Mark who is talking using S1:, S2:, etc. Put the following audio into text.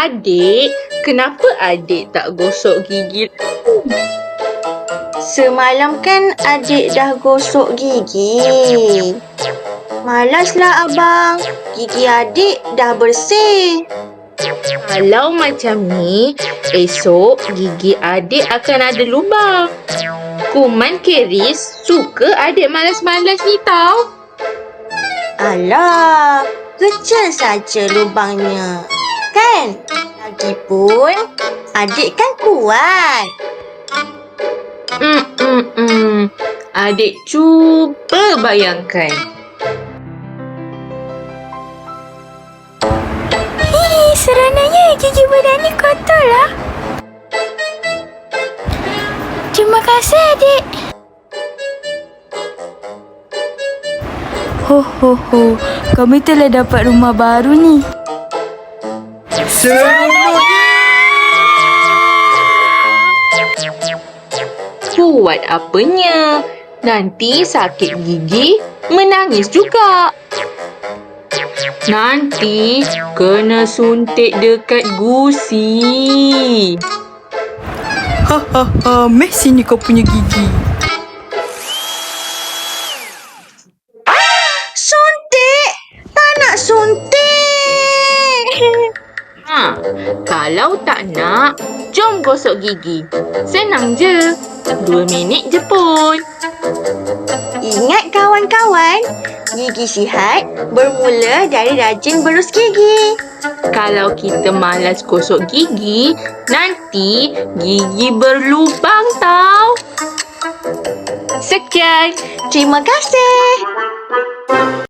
S1: Adik, kenapa adik tak gosok gigi?
S2: Semalam kan adik dah gosok gigi. Malaslah abang. Gigi adik dah bersih.
S1: Kalau macam ni, esok gigi adik akan ada lubang. Kuman keris suka adik malas-malas ni tau.
S2: Alah, kecil saja lubangnya. Kan? Lagipun, adik kan kuat.
S1: Adik cuba bayangkan.
S3: Seronoknya gigi badan ni kotor lah. Terima kasih adik. Ho ho ho, kami telah dapat rumah baru ni.
S1: Buat apanya? Nanti sakit gigi, menangis juga. Nanti kena suntik dekat gusi.
S3: Hahaha, meh sini kau punya gigi.
S2: Suntik! Tak nak suntik!
S1: Kalau tak nak, jom gosok gigi. Senang je. 2 minit je pun.
S2: Ingat kawan-kawan, gigi sihat bermula dari rajin berus gigi.
S1: Kalau kita malas gosok gigi, nanti gigi berlubang tau. Sekian.
S2: Terima kasih.